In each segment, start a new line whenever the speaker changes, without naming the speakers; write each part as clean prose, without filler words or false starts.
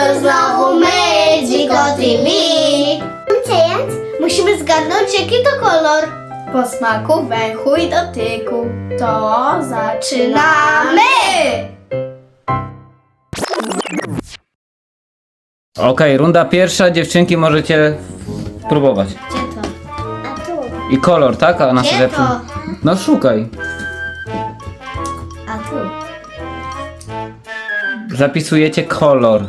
to znowu my, Dziko TV. Więc musimy zgadnąć, jaki to kolor.
Po smaku, węchu i dotyku. To
Zaczynamy!
Okej, runda pierwsza, dziewczynki możecie próbować.
Gdzie to? A tu.
I kolor, tak? A
Gdzie to?
No szukaj.
A tu.
Zapisujecie kolor.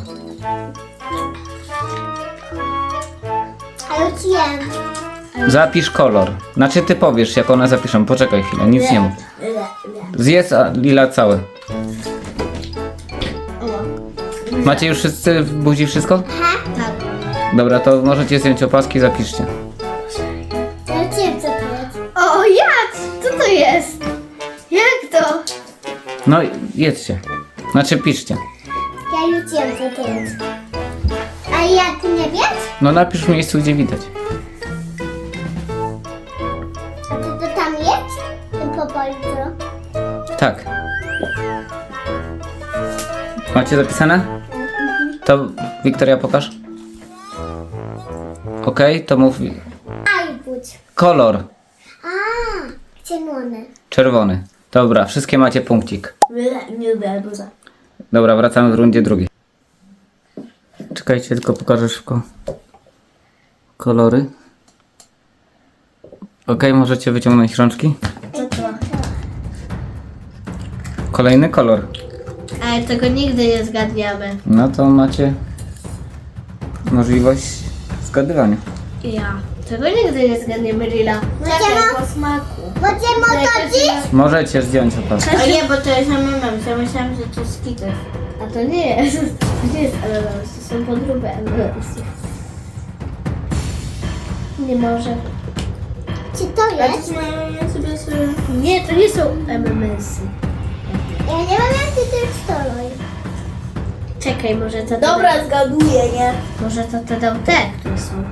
A już wiem.
Zapisz kolor. Znaczy ty powiesz, jak one zapiszą. Poczekaj chwilę, nic nie mów. Zjedz Lila całe. Macie już wszyscy w buzi wszystko?
Tak.
Dobra, to możecie zdjąć opaski, zapiszcie.
Ja wiem, co to jest. O, jak? Co to jest? Jak to?
No, jedzcie. Znaczy piszcie.
Ja już wiem, co to jest. A jak nie wiesz?
No napisz w miejscu, gdzie widać.
A to tam jest? Po polsku.
Tak. Macie zapisane? To Wiktoria pokaż. Okej, to mów.
Aj, budź.
Kolor.
A, zielony.
Czerwony. Dobra, wszystkie macie punkcik.
nie lubię arbuza.
Dobra, wracamy w rundzie drugiej. Czekajcie, tylko pokażę szybko kolory. Okej, możecie wyciągnąć rączki.
Co to?
Kolejny kolor.
Ale tego nigdy nie zgadniemy.
No to macie możliwość zgadywania.
Ja. Tego nigdy nie zgadniemy, Lila.
Po smaku.
Możemy chodzić?
Możecie zdjąć opaskę.
A nie, bo to jest MMM. Ja myślałam, że to jest skites.
A to nie jest. To nie jest MMS, to są podróby MMS-ów. Nie może. Czy to
A to są MMS sobie...
Nie, to nie są MMS-y. Ja nie wiem, jaki to jest kolor. Czekaj, może to...
Dobra, zgaduję, nie?
Może to dał te, które są...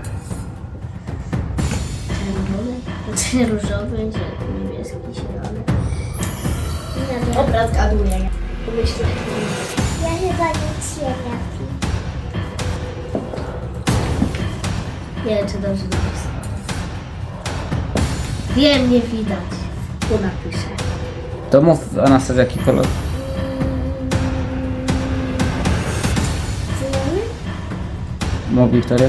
Czerwone? Znaczy różowy, niebieski, zielony. Nie wiem.
Dobra, zgaduję, nie? Pomyślę.
Ja chyba nic nie trafi. Nie wiem, czy dobrze napisałam. Wiem, nie widać. Tu napiszę.
To mów, Anastazja, jaki kolor?
Zielony?
Mów, Wiktoria.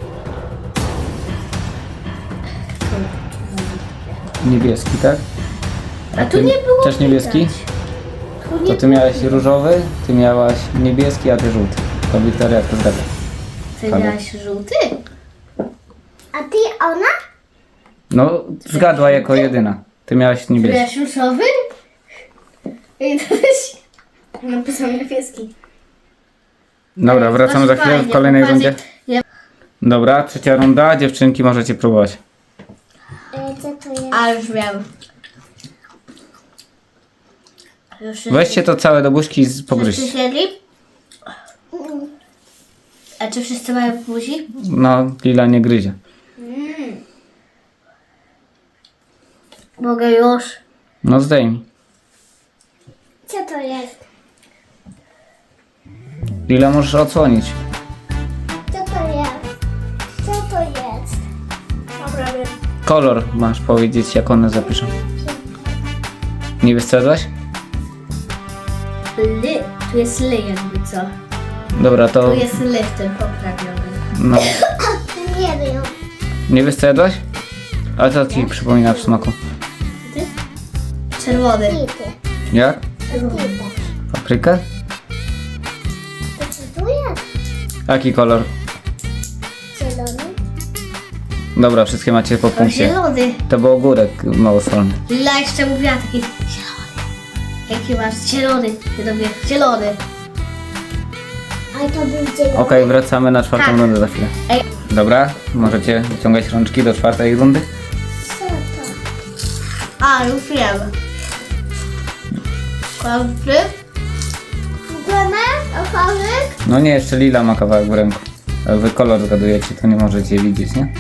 Niebieski, tak?
A tu nie było
Też niebieski?
widać. Tu nie
To ty miałeś różowy, ty miałaś niebieski, a ty żółty. To Wiktoria to zgadza.
Ty miałaś żółty? A ty, ona?
No, zgadła jako jedyna. Ty miałaś
Ty
niebieski.
miałaś różowy? I to jest...
Napisał niebieski.
Dobra, wracamy za chwilę w kolejnej rundzie.
Ja...
Dobra, trzecia runda. Dziewczynki, możecie próbować.
Co to jest? A już wiem.
Weźcie to całe do buźki i pogryźcie.
Wszyscy siedli? A czy wszyscy mają w buzi?
No, Lila nie gryzie.
Mogę już.
No zdejmij.
Co to jest?
Lila możesz odsłonić.
Co to jest? Co to jest?
Dobra, wiem.
Kolor masz powiedzieć, jak one zapiszą. Nie wystrzegłaś?
Ly. Tu jest ly jakby co.
Dobra, to...
Tu jest ly w tym poprawionym.
No.
Nie wiem.
Nie wystrzegłaś? A co ci przypomina w smaku?
Czerwony.
Jak? Paprykę?
To co tu jest?
Jaki kolor?
Zielony.
Dobra, wszystkie macie po punkcie.
Zielony.
To był ogórek małosolny.
Lila jeszcze mówiła taki zielony. Jaki masz? Zielony. Ja robię zielony. Ale to był zielony.
Okej, wracamy na czwartą
Tak.
rundę za chwilę.
Ej.
Dobra, możecie wyciągać rączki do czwartej rundy.
Co to? A, już wiem. Kończy? Ochorek?
No nie, jeszcze Lila ma kawałek w ręku. Jak wy kolor zgadujecie, to nie możecie widzieć, nie?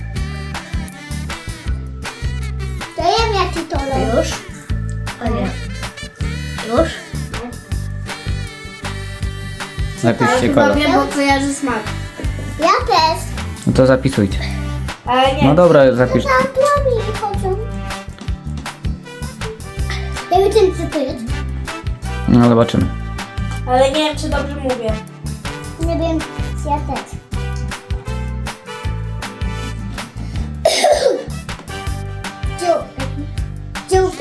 To ja wiem jaki to już. O nie. Już?
Napiszcie
Chyba
kolor.
wiem, bo kojarzy smak.
Ja też.
No to zapisujcie.
Ale nie.
No dobra, zapisz.
Tam plamy chodzą. Ja wiem, co to jest.
No zobaczymy.
Ale nie wiem, czy dobrze mówię.
Nie wiem, ja też. Żółty?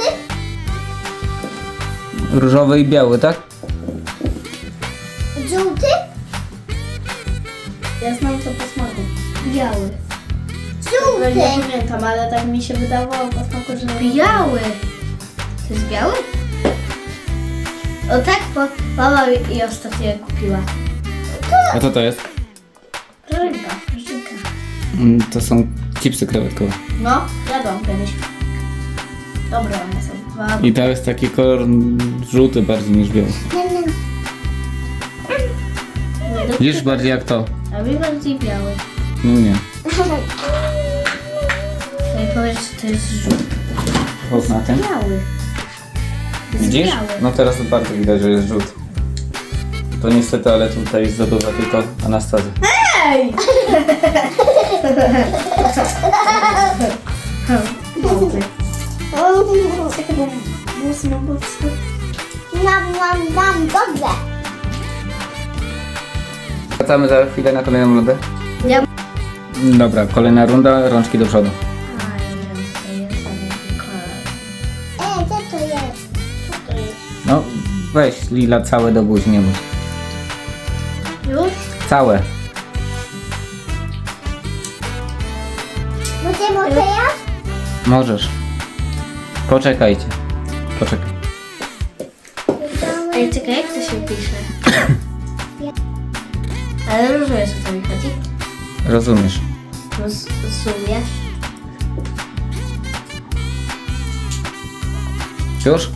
Różowy i biały, tak?
Żółty?
Ja znam to po smaku.
Biały.
Ale
Żółty.
nie pamiętam, ale tak mi się wydawało po smaku, że...
Biały. To jest biały? O tak, bo mama i ostatnio kupiła.
A co to jest?
Rybka.
To są chipsy krewetkowe.
No, jadłam kiedyś. Dobre one są. Dwa.
I to jest taki kolor żółty bardziej niż biały. Widzisz bardziej jak to?
A mi bardziej biały.
No nie.
To mi powiedz, że to jest żółty.
Chodź na tym.
Biały. To jest
Widzisz?
biały.
No teraz bardzo widać, że jest żółty. To niestety, ale tutaj zdobywa tylko Anastazja.
Ej! Żółty.
Mam, dobrze.
Wracamy za chwilę na kolejną rundę.
Ja...
Dobra, kolejna runda, rączki do przodu.
A, nie wiem, co to jest, ale jaki kolor.
Co to jest? Co to jest?
No, weź Lila całe do buzi, nie bój.
Już?
Całe.
Mogę teraz?
Możesz. Poczekajcie. Poczekaj.
Ej, czekaj, jak to się pisze? Ale rozumiesz, o co mi chodzi?
Rozumiesz.
Rozumiesz?
Już?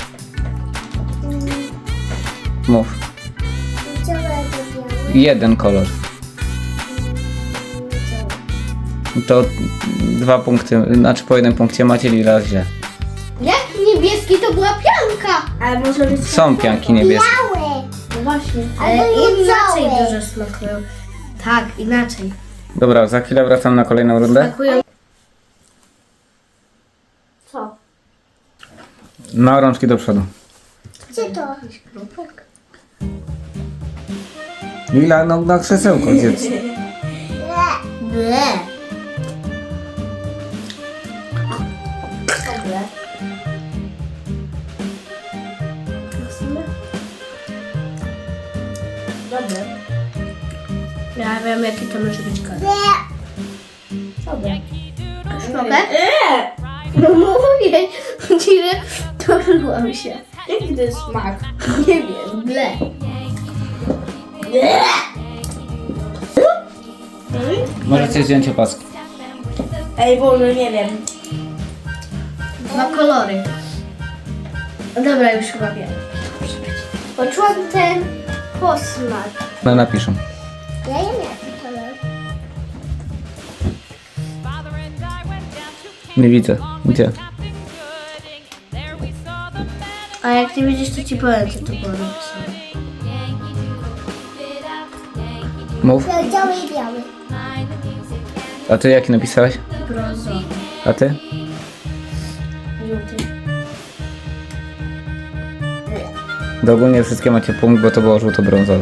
Mów. Jeden kolor. To 2 punkty, znaczy po 1 punkcie macie Lila źle.
Jak niebieski to była pianka.
Ale może być...
Są pianki niebieskie.
Biały.
No właśnie,
Ale
ale inaczej
białe.
dużo smakują. Tak, inaczej.
Dobra, za chwilę wracam na kolejną rundę.
Smakują... Co?
No, rączki do przodu.
Co to?
Lila, no na krzesełko zjedz.
Ble. Dobre. Dobre. Ja wiem, jaki to może być kolor. Dobre. Mogę? No mówię, że torzyłam się. Jaki to jest smak? Nie wiem, ble.
Możecie zdjąć opaski.
Ej, Boże, nie wiem. Dwa kolory. No dobra, już chyba wiem. Poczułam ten posmak.
No napiszę.
Ja nie wiem, kolor.
Nie widzę. Gdzie?
A jak nie widzisz, to ci powiem, co to było napisane.
Mów.
Biały i biały.
A ty jaki napisałeś?
Brązowy.
A ty?
Żółty.
Do ogólnie wszystkie macie punkt, bo to było żółto-brązowe.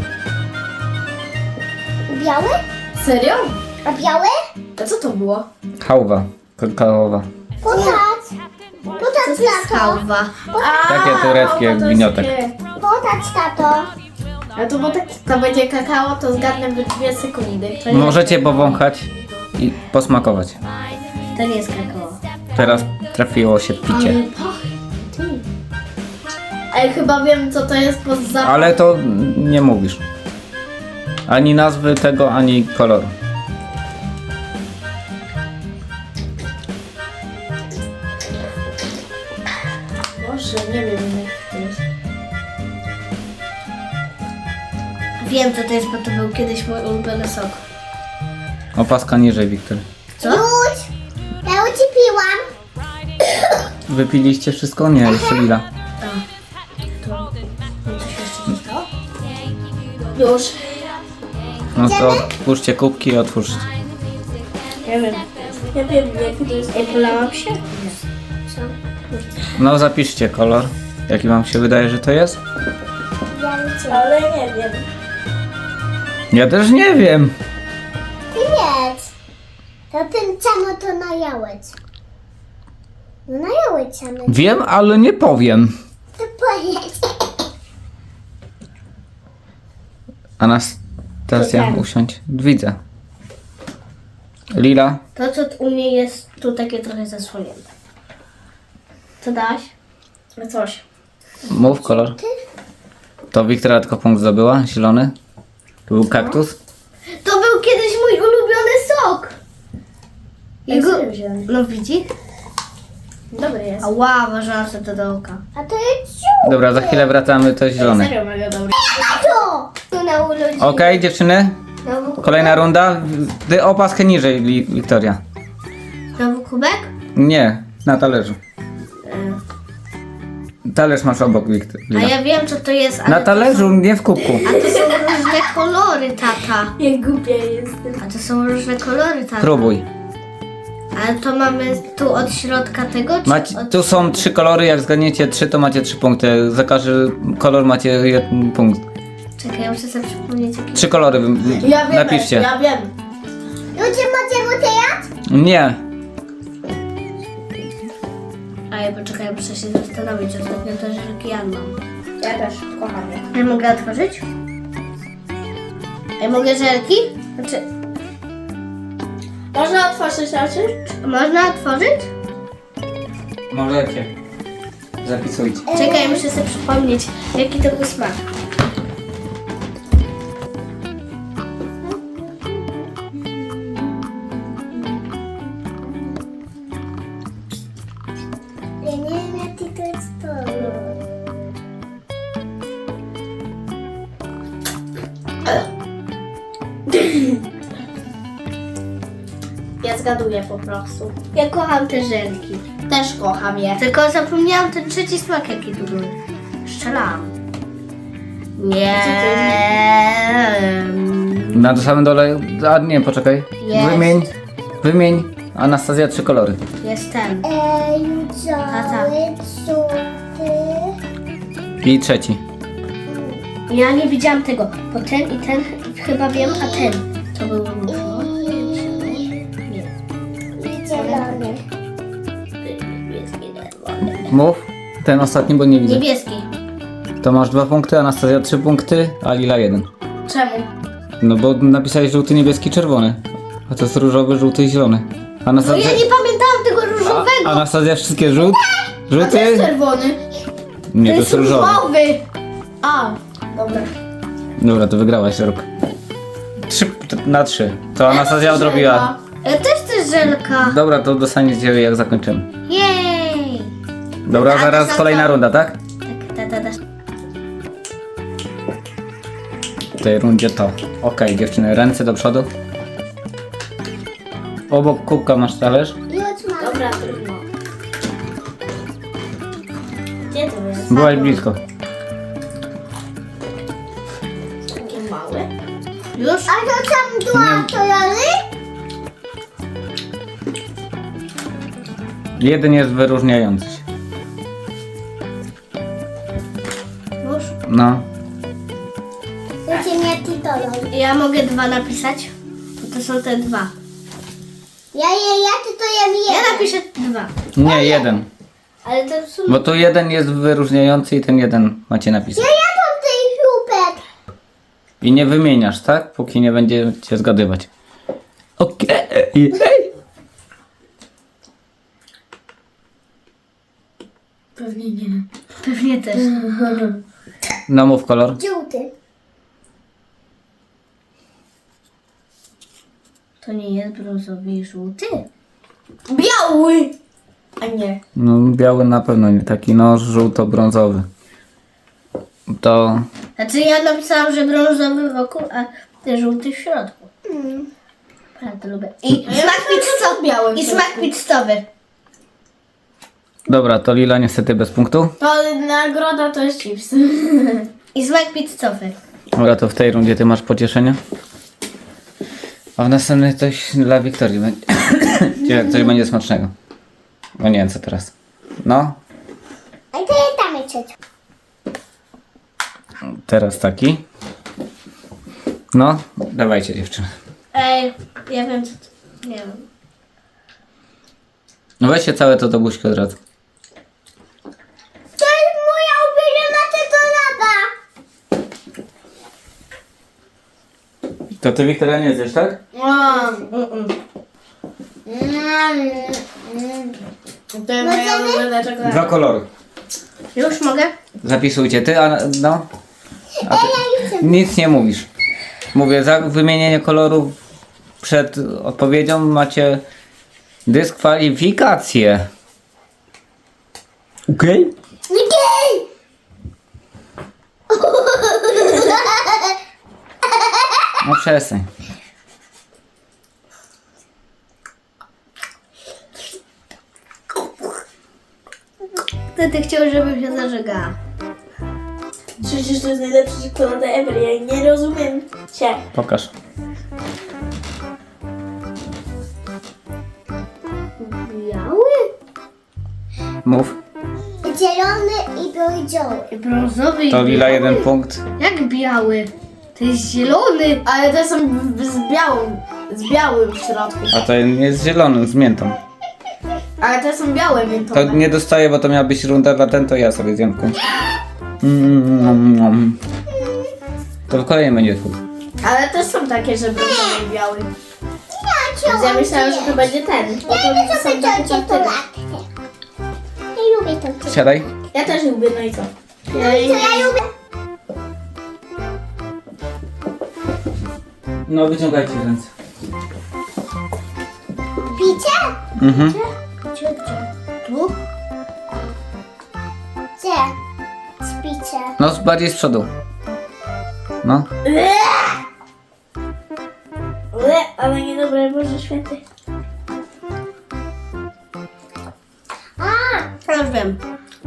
Biały?
Serio?
A biały?
A co to było?
Hałwa. Kakaowa.
Potat. Potat, tato.
Hałwa.
Takie tureckie jak gniotek.
Potat, tato.
A to bo tak, to będzie kakao, to zgadnę w 2 sekundy. To nie,
Możecie powąchać i posmakować.
to nie jest kakao.
Teraz trafiło się picie.
Ale pachnie. Ty. Ej, chyba wiem, co to jest po zapachu.
Ale to nie mówisz. Ani nazwy tego, ani koloru.
Boże, nie wiem, jak to jest. Wiem, co to jest, bo to był kiedyś mój ulubiony sok.
Opaska niżej, Wiktor.
Co?
Już. Ja ucipiłam.
Wypiliście wszystko? Nie, jeszcze Lila.
To coś jeszcze zostało? Już.
No to otwórzcie kubki i otwórzcie.
Ja wiem.
Ja wiem, jaki to jest.
Ej, polałam się?
Co?
No zapiszcie kolor. Jaki wam się wydaje, że to jest?
Ale nie wiem.
Ja też nie wiem.
Ty wiedz. To ten czemu to najałeś? No najałeś czemu.
Wiem, ale nie powiem.
To powiedz.
Anastazja,
To ten.
usiądź. Widzę. Lila.
To, co u mnie jest tu takie trochę zasłonięte. Co dałaś? Coś.
Mów kolor. To Wiktoria tylko punkt zdobyła. Zielony. To był kaktus.
To był kiedyś mój ulubiony sok.
serio wziąłem.
No widzi?
Dobry jest.
Ała, włożyłam sobie to do oka.
A to jest żółty.
Dobra, za chwilę wracamy, to zielony.
Serio mega dobry.
To! Tu na urodziny.
Okej, dziewczyny. Kolejna runda. Ty opaskę niżej, Wiktoria.
Znowu kubek?
Nie, na talerzu. Talerz masz obok,
A
Wiktoria.
ja wiem, co to jest, ale
Na talerzu, nie w kubku.
A to są różne kolory, tata.
Jak głupia jestem.
A to są różne kolory, tata.
Próbuj.
Ale to mamy tu od środka tego, czy
Macie,
od...
tu są 3 kolory, jak zgadniecie 3, to macie 3 punkty. Za każdy kolor macie 1 punkt.
Czekaj, ja muszę sobie przypomnieć, jaki...
3 kolory napiszcie.
Ja wiem. Ludzie macie mu teraz?
Nie.
A ja poczekaj, muszę się zastanowić. Ostatnio też Jan mam.
Ja też kocham je.
Ja mogę otworzyć? Ja mogę żelki? Znaczy,
Można otworzyć oczy?
można otworzyć?
Możecie. Zapisujcie.
Czekaj, muszę sobie przypomnieć, jaki to był smak.
Ja nie wiem jaki to jest kolor.
Ja zgaduję po prostu. Ja kocham te żelki.
Też kocham je.
Tylko zapomniałam ten trzeci smak, jaki tu był. Strzelałam. Nie.
Na samym dole. A nie, poczekaj.
Jest.
Wymień. Anastazja 3 kolory.
Jest ten.
Cały żółty.
I trzeci.
Ja nie widziałam tego, bo ten i ten chyba wiem, a ten to był różowy. Nie.
I zielony.
Niebieski, czerwony.
Mów. Ten ostatni, bo nie widzę.
Niebieski.
To masz 2 punkty, Anastazja 3 punkty, a Lila 1.
Czemu?
No bo napisałeś żółty, niebieski, czerwony. A to jest różowy, żółty i zielony.
No
Anastazja,
ja nie pamiętałam tego różowego.
Anastazja wszystkie żółty?
Czerwony.
Nie, to jest różowy.
A, dobra.
Dobra, to wygrałaś rok. 3 na 3. To Anastazja odrobiła.
Ja też chcę żelka.
Dobra, to dostaniecie jak zakończymy.
Jej.
Dobra,
A,
zaraz
to
kolejna
są-
runda, tak?
Tak.
W tej rundzie to. Okej, dziewczyny, ręce do przodu. Obok kubka masz talerz.
Już mam.
Dobra, trudno. Gdzie to jest?
Byłaś blisko.
Takie małe. Już?
A to tam dwa kolory?
Jeden jest wyróżniający się.
Już?
No.
Ludzie jaki kolor?
Ja mogę 2 napisać, bo to są te 2.
Jaki to ja wiem?
Ja napiszę 2.
Nie, jeden.
Ale to są...
Bo tu jeden jest wyróżniający i ten jeden macie napisać.
Ja jadłam tej chrupek.
I nie wymieniasz, tak? Póki nie będziecie zgadywać. Okej.
Pewnie nie. Pewnie też.
No mów kolor.
Żółty.
To nie jest brązowy i żółty.
Biały. A nie.
No biały na pewno nie taki, no żółto-brązowy. To
Znaczy ja napisałam, że brązowy wokół, a ty żółty w środku. Bardzo lubię. I smak pizzowy. I smak pizzowy.
dobra, to Lila niestety bez punktu.
To nagroda to jest chips.
I smak pizzowy.
Dobra, to w tej rundzie ty masz pocieszenie. A w następnej coś dla Wiktorii będzie. Jak coś będzie smacznego. No nie wiem co teraz. No,
A to tam jest.
teraz taki. No, dawajcie dziewczyny.
Ej, ja wiem co to... Nie wiem.
No weźcie całe to do buźki od razu.
To jest moja ulubiona czekolada.
To ty Wiktoria nie zjesz, tak?
To jest moja ulubiona czekolada.
Dwa kolory.
Już mogę?
Zapisujcie ty, a no. A ty nic nie mówisz. Mówię, za wymienienie kolorów przed odpowiedzią macie dyskwalifikację. Okej?
Okej.
No przestań.
Ty chciał, żebym się zażegała.
Przecież to jest najlepsza czekolada ever, ja nie rozumiem cię.
Pokaż.
Biały?
Mów.
Zielony i brązowy.
Brązowy i
To lila
biały?
1 punkt.
Jak biały? To jest zielony.
Ale te są z białym w środku.
A to jest zielony z miętą.
Ale te są białe
To
miętowe.
nie dostaję, bo to miała być runda dla ten, to ja sobie zjem w końcu. To w kolejnym będzie twój.
Ale też są takie, że brązowy i biały. Więc ja myślałam, że to będzie ten. Bo
Ja
to
lubię
są
sobie
takie
tą
czarne.
czekoladkę. Ja lubię tą czekoladę.
Siadaj.
Ja też lubię, no i co?
To ja lubię.
No wyciągajcie ręce.
Picie?
Mhm.
Gdzie?
Tu?
Gdzie? Spicie.
No bardziej z przodu. No.
Ale niedobre, Boże Święty.
A!
Ja już wiem.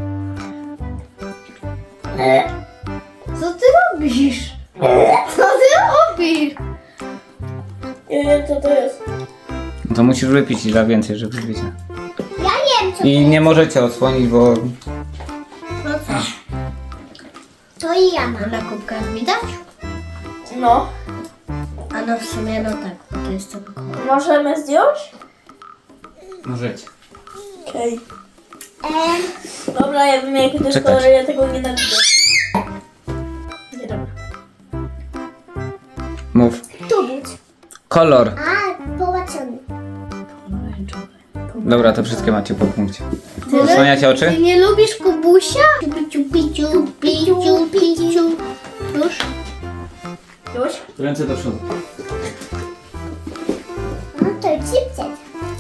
Co ty robisz? Co ty robisz?
Nie wiem, co to jest.
No to musisz wypić ile więcej, żeby wiecie.
Ja wiem co
I nie możecie odsłonić, bo
No co?
to i ja mam.
Na kubkach widać?
No.
A no w sumie no tak, bo to jest tylko kolor.
Możemy zdjąć?
możecie.
Okej. Dobra, ja wiem jaki to jest
Czekać.
kolor, ja tego nienawidzę. Nie dobra.
Mów.
Tu być.
Kolor.
A, połacony.
Pomarańczowy.
Dobra, to wszystkie macie po punkcie.
Ty
Zasłaniacie oczy?
Ty nie lubisz Kubusia? Piciu, piciu, piciu, piciu. Już?
Już?
Ręce do przodu.
No to chipset.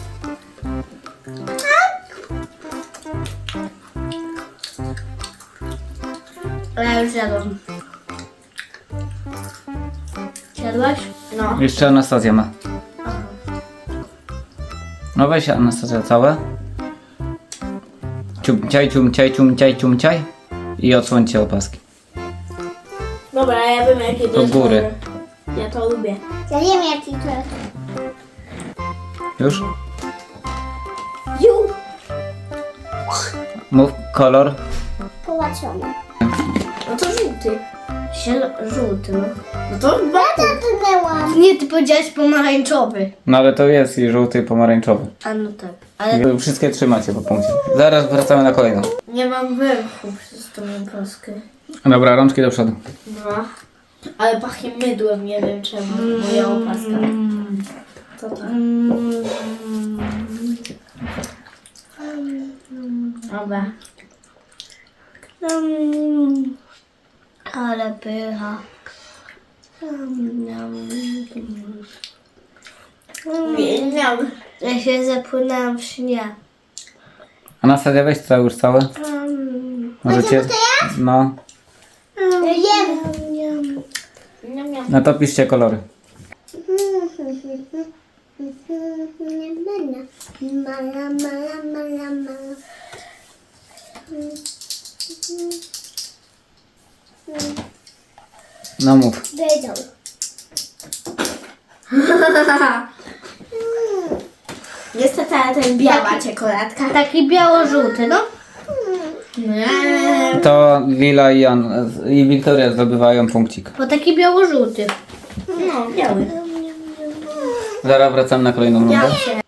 A ja już jadłam. Jadłaś?
No.
Jeszcze Anastazja ma. No weź Anastazja całe. Ciumciaj, ciumciaj, ciumciaj, ciumciaj. I odsłońcie opaski.
Dobra, ja wiem jaki to
Do
jest
góry.
kolor. Ja to lubię.
Ja wiem jaki to jest.
Już?
Ju,
Mów kolor.
połacony.
No to żółty.
Żółty, no.
No to
Ja dotknęłam.
Nie, ty powiedziałeś pomarańczowy.
No ale to jest i żółty i pomarańczowy.
A no tak. Ale
Wszystkie trzymacie po punkcie. Zaraz wracamy na kolejną.
nie mam węchu przez tą opaskę.
Dobra, rączki do przodu.
No. Ale pachnie mydłem, nie wiem czemu. Moja opaska. To tak. Dobra.
ale pycha.
Miał.
Ja się zapłynęłam w śnie.
Anastazja, weź całe już całe. Możecie? No.
Jem.
Miał, miał.
No to piszcie kolory.
Mala, mala, mala, mala.
No mów.
Wiedział.
Niestety, ale to jest biała czekoladka.
Taki biało-żółty, no.
Nie.
To Lila i Wiktoria zdobywają punkcik.
Bo taki biało-żółty.
No, biały.
Zaraz wracam na kolejną rundę.
Biały się.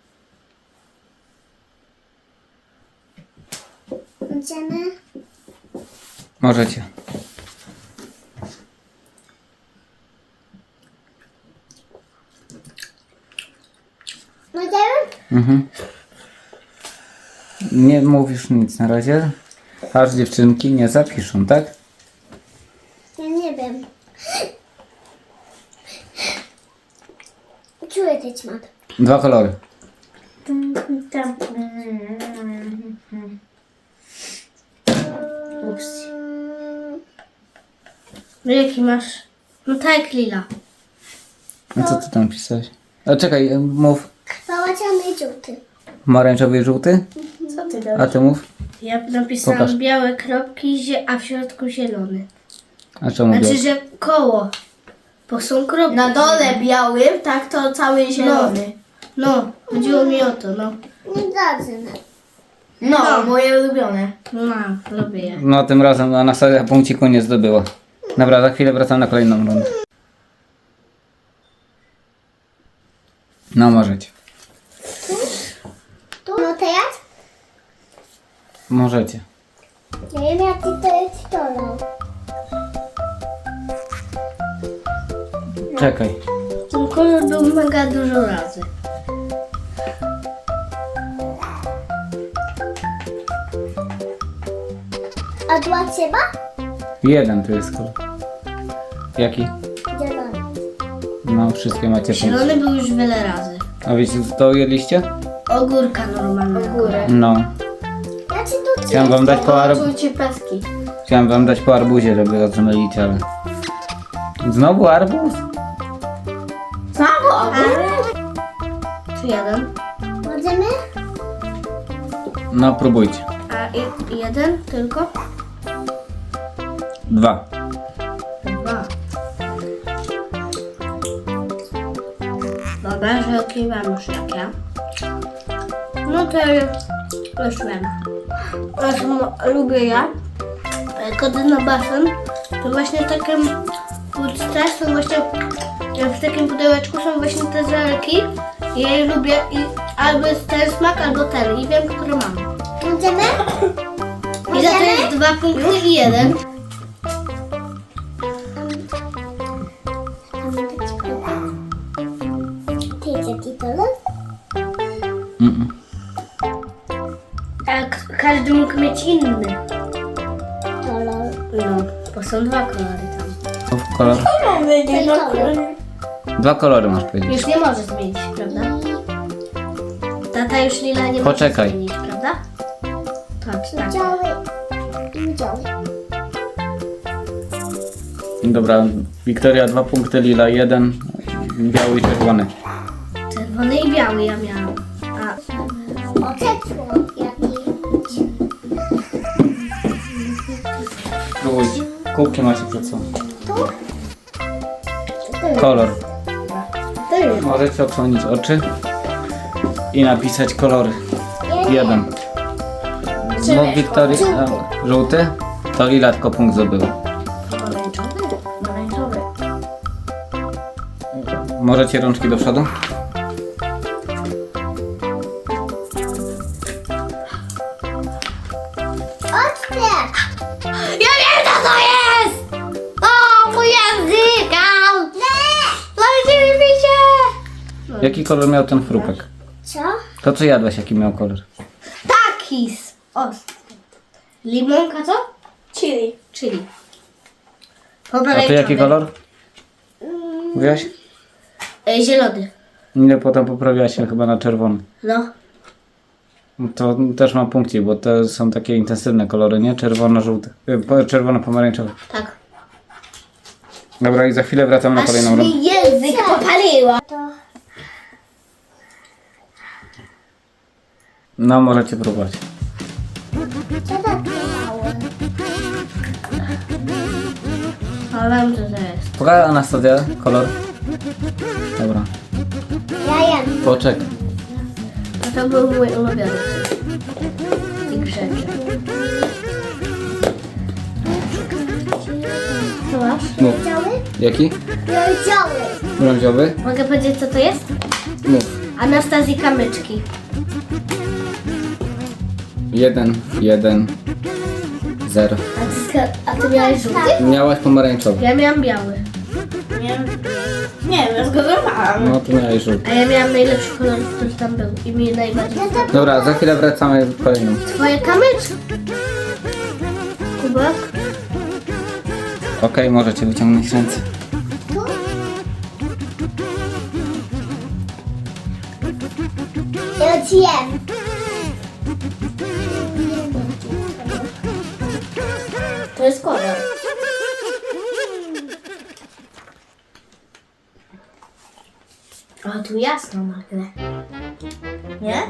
Idziemy?
Możecie.
Możemy?
Mhm. Nie mówisz nic na razie. Aż dziewczynki nie zapiszą, tak?
Ja nie wiem. Czuję ten smak.
2 kolory.
Tam. Ups.
No jaki masz? No tak jak lila.
A co ty tam pisałeś? A czekaj, mów.
Pałaciany i żółty.
Pomarańczowy i żółty?
Co ty
A
dałeś?
ty mów.
Ja napisałam
Pokaż.
białe kropki, a w środku zielony.
A czemu
Znaczy,
białe?
że koło. Bo są kropki.
Na dole białym, tak to cały zielony.
No, chodziło mi o to, no.
Niedobrze.
No, moje ulubione.
No, lubię je.
No tym razem Anastazja punkciku nie zdobyła. Dobra, za chwilę wracam na kolejną rundę. No możecie.
Tu? No teraz?
Możecie.
Ja wiem jaki to jest kolor.
Czekaj.
Ten kolor był mega dużo razy.
A dla ciebie?
Jeden tu jest kolor. Jaki?
Zielony.
No wszystkie macie punkty.
Zielony był już wiele razy.
A wiecie co to jedliście?
Ogórka normalnego.
Górę.
No.
Ja ci tu
Chciałem wam dać po,
Czujcie peski.
Chciałem wam dać po arbuzie, żeby rozmylić, ale... Znowu arbuz?
Znowu
Czy jeden?
Możemy?
No próbujcie.
A jeden tylko?
2.
2. Dobra, że okiwam już jak ja. No to już wiem. Lubię ja. Kody na basen to właśnie takie puste są właśnie w takim pudełeczku są właśnie te żelki. Ja je lubię i albo jest ten smak, albo ten i wiem, który mam.
Możemy?
I za to jest 2 punkty i 1.
Ty jest jaki kolor?
Mm-mm.
A każdy mógł mieć inny.
Kolor.
No, bo są 2 kolory tam.
Mów kolor.
Ten kolor.
2 kolory masz powiedzieć.
Już nie możesz zmienić, prawda? Tata już lila nie
Poczekaj.
może zmienić, prawda? Patrz, tak.
Biały. Biały.
Dobra, Wiktoria 2 punkty, Lila 1, biały i czerwony.
Czerwony i biały ja miałam. A
O, kecło. Jaki?
Próbujcie. Kubki macie przed sobą.
Tu?
Kolor.
to jest.
Możecie odsłonić oczy i napisać kolory. 1. No Wiktoria, żółty, to Lila tylko punkt zdobyła.
Pomarańczowy? Pomarańczowy.
Możecie rączki do przodu?
Otwórz!
Ja wiem, co to jest! O, mój język! Leci mi się!
Jaki kolor miał ten chrupek?
Co?
To co jadłeś, jaki miał kolor?
Takis! Ostry. Limonka co?
Chili.
Chili.
A ty jaki kolor? Mówiłaś?
Zielony.
Nie, potem poprawiłaś się chyba na czerwony.
No.
To też mam punkcie, bo to są takie intensywne kolory, nie? Czerwono-żółte. Czerwono-pomarańczowe.
Tak.
Dobra, i za chwilę wracam na kolejną rundę.
mi język popaliła.
To
No, możecie próbować.
co to biały?
Ale wiem, co to jest.
Pokaż Anastazja kolor. Dobra.
Ja jem.
Poczekaj.
A to był mój ulubiony z tych rzeczy. Co masz?
Mów.
Działy?
Jaki?
Działy.
Brąziowy?
Mogę powiedzieć, co to jest?
Mów.
Anastazji kamyczki.
1, 1, 0.
A ty miałeś żółty?
Miałaś pomarańczowy.
Ja miałam biały.
Nie wiem, ja zgadowałam.
No, to miałeś żółty.
A ja miałam najlepszy kolor, który tam był. I mi najbardziej podobał.
Dobra, za chwilę wracamy z kolejną.
Twoje kamyczki. Kubek?
Okej, możecie wyciągnąć ręce.
Ja ci jem.
To jest kolor. A tu jasno nagle. Nie?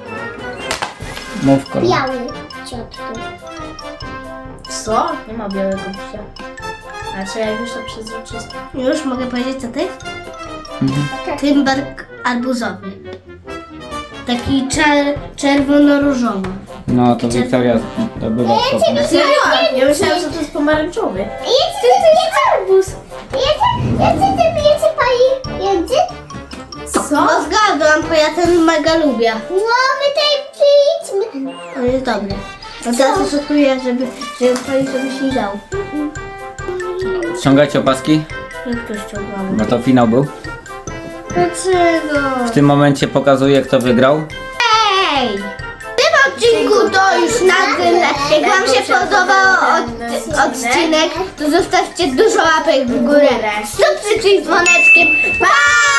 Mów kolor.
Biały. Ciotku.
Co? Nie ma białego psia. A czy jak już to przezroczyste?
Już mogę powiedzieć, co to jest?
Mhm.
Tymbark arbuzowy. Taki czerwono-różowy.
No, to Wiktoria zdobywa spokój.
Serio? Ja myślałam, że to jest pomarańczowy.
Jedz arbuz. Jedz pani jędzy?
Co?
No zgadłam, bo ja ten mega lubię.
No, my tutaj przyjdźmy.
On jest dobry. No teraz oszukuję, żeby pani sobie nie dał.
Ściągajcie opaski,
Jak to ściągał?
bo to finał był.
Dlaczego?
W tym momencie pokazuję, kto wygrał.
Ej! W tym odcinku to już na tyle. Jak wam się podobał odcinek, to zostawcie dużo łapek w górę. Subskrypcji z dzwoneczkiem. Pa!